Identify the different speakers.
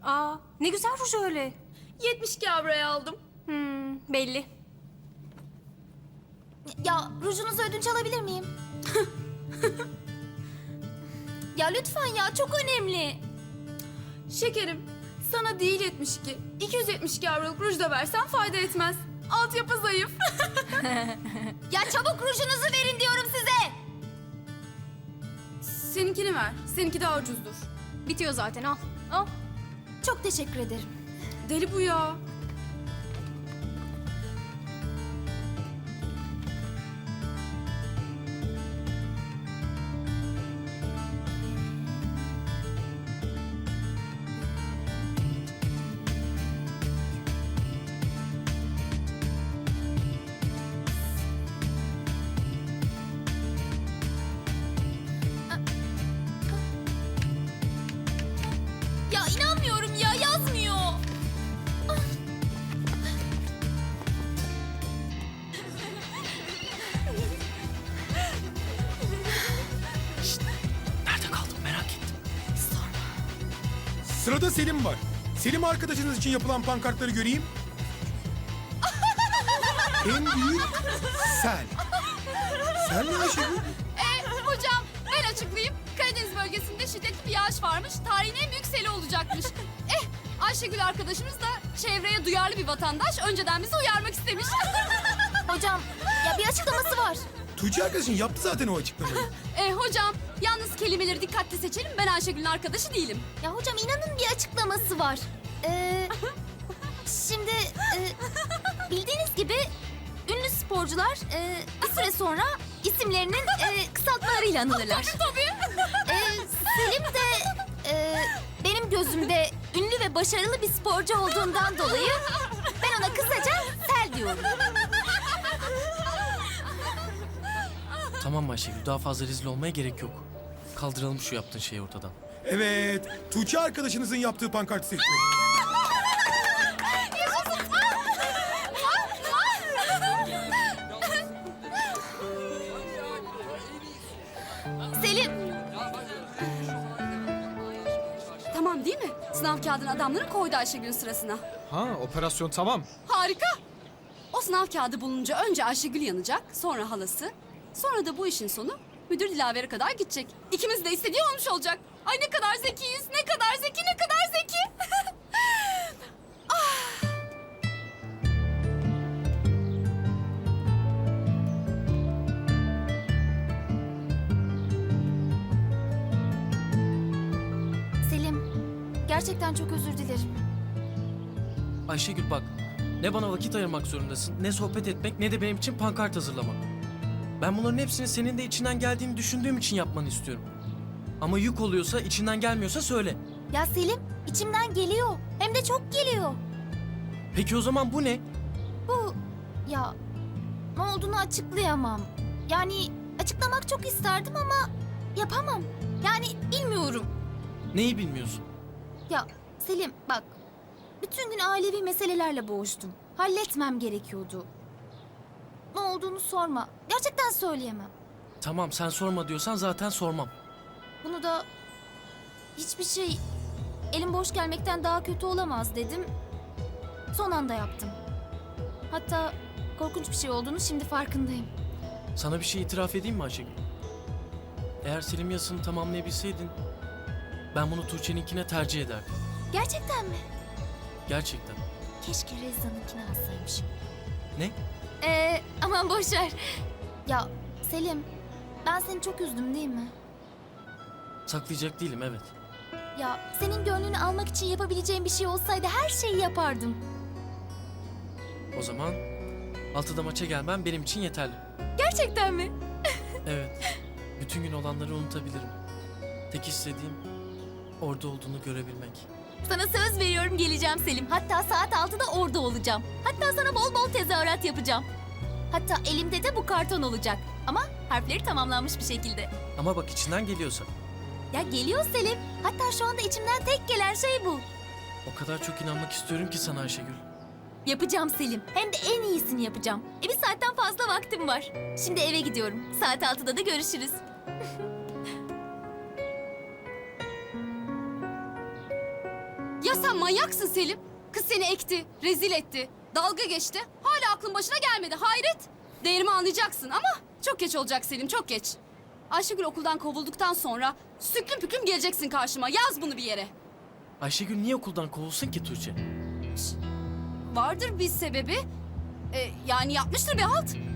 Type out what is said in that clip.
Speaker 1: Aa, ne güzel ruj öyle.
Speaker 2: 72 avroya aldım.
Speaker 1: Belli.
Speaker 3: Ya rujunuzu ödünç alabilir miyim? Ya lütfen ya, çok önemli.
Speaker 2: Şekerim, sana değil 72. 272 avroluk ruj da versen fayda etmez. Altyapı zayıf.
Speaker 3: Ya çabuk rujunuzu verin diyorum size.
Speaker 2: Seninkini ver. Seninki daha ucuzdur.
Speaker 1: Bitiyor zaten, al. Al.
Speaker 3: Çok teşekkür ederim.
Speaker 2: Deli bu ya.
Speaker 3: Ya inanmıyorum ya, yazmıyor.
Speaker 4: Nerede kaldın merak ettim.
Speaker 5: Sırada Selim var. Selim arkadaşınız için yapılan pankartları göreyim. En büyük sel. Sel ne Ayşegül?
Speaker 2: Hocam ben açıklayayım. Karadeniz bölgesinde şiddetli bir yağış varmış. Tarihin en büyük seli olacakmış. Ayşegül arkadaşımız da çevreye duyarlı bir vatandaş. Önceden bizi uyarmak istemiş.
Speaker 3: Hocam, ya bir açıklaması var.
Speaker 5: Tuğçe arkadaşın yaptı zaten o açıklamayı.
Speaker 2: Hocam yalnız kelimeleri dikkatli seçelim. Ben Ayşegül'ün arkadaşı değilim.
Speaker 3: Ya hocam inanın bir açıklaması var. Şimdi bildiğiniz gibi ünlü sporcular bir süre sonra isimlerinin kısaltmalarıyla anılırlar.
Speaker 2: Tabii.
Speaker 3: Selim de benim gözümde ünlü ve başarılı bir sporcu olduğundan dolayı ben ona kısaca Sel diyorum.
Speaker 4: Tamam Ayşegül daha fazla rezil olmaya gerek yok. Kaldıralım şu yaptığın şeyi ortadan.
Speaker 5: Evet, Tuğçe arkadaşınızın yaptığı pankartı seçtim.
Speaker 3: Selim,
Speaker 2: Tamam değil mi? Sınav kağıdını adamları koydu Ayşegül'ün sırasına.
Speaker 6: Ha, operasyon tamam.
Speaker 2: Harika. O sınav kağıdı bulununca önce Ayşegül yanacak, sonra halası. Sonra da bu işin sonu müdür Dilaver'e kadar gidecek. İkimiz de istediği olmuş olacak. Ay ne kadar zekiyiz, ne kadar zeki, ne kadar zeki.
Speaker 3: Selim, gerçekten çok özür dilerim.
Speaker 4: Ayşegül bak ne bana vakit ayırmak zorundasın ne sohbet etmek ne de benim için pankart hazırlamak. Ben bunların hepsini senin de içinden geldiğini düşündüğüm için yapmanı istiyorum. Ama yük oluyorsa içinden gelmiyorsa söyle.
Speaker 3: Ya Selim, içimden geliyor. Hem de çok geliyor.
Speaker 4: Peki o zaman bu ne?
Speaker 3: Bu, ya ne olduğunu açıklayamam. Yani açıklamak çok isterdim ama yapamam. Yani bilmiyorum.
Speaker 4: Neyi bilmiyorsun?
Speaker 3: Ya Selim bak, bütün gün ailevi meselelerle boğuştum. Halletmem gerekiyordu. Ne olduğunu sorma. Gerçekten söyleyemem.
Speaker 4: Tamam sen sorma diyorsan zaten sormam.
Speaker 3: Bunu da hiçbir şey elim boş gelmekten daha kötü olamaz dedim. Son anda yaptım. Hatta korkunç bir şey olduğunu şimdi farkındayım.
Speaker 4: Sana bir şey itiraf edeyim mi Ayşegül? Eğer Selim yazısını tamamlayabilseydin ben bunu Tuğçe'ninkine tercih ederdim.
Speaker 3: Gerçekten mi?
Speaker 4: Gerçekten.
Speaker 3: Keşke Rezza'nınkini alsaymışım.
Speaker 4: Ne?
Speaker 3: Aman boş ver. Ya Selim, ben seni çok üzdüm değil mi?
Speaker 4: Saklayacak değilim evet.
Speaker 3: Ya senin gönlünü almak için yapabileceğim bir şey olsaydı her şeyi yapardım.
Speaker 4: O zaman 6'da maça gelmem benim için yeterli.
Speaker 3: Gerçekten mi?
Speaker 4: Evet. Bütün gün olanları unutabilirim. Tek istediğim orada olduğunu görebilmek.
Speaker 3: Sana söz veriyorum geleceğim Selim. Hatta saat 6'da orada olacağım. Hatta sana bol bol tezahürat yapacağım. Hatta elimde de bu karton olacak. Ama harfleri tamamlanmış bir şekilde.
Speaker 4: Ama bak içinden geliyorsa.
Speaker 3: Ya geliyor Selim. Hatta şu anda içimden tek gelen şey bu.
Speaker 4: O kadar çok inanmak istiyorum ki sana Ayşegül.
Speaker 3: Yapacağım Selim. Hem de en iyisini yapacağım. Bir saatten fazla vaktim var. Şimdi eve gidiyorum. Saat 6'da da görüşürüz.
Speaker 2: Ya Ya sen manyaksın Selim. Kız seni ekti, rezil etti, dalga geçti. Hala aklın başına gelmedi, hayret. Değerimi anlayacaksın ama çok geç olacak Selim, çok geç. Ayşegül okuldan kovulduktan sonra süklüm püklüm geleceksin karşıma. Yaz bunu bir yere.
Speaker 4: Ayşegül niye okuldan kovulsun ki Tuğçe?
Speaker 2: Vardır bir sebebi. Yani yapmıştır bir halt.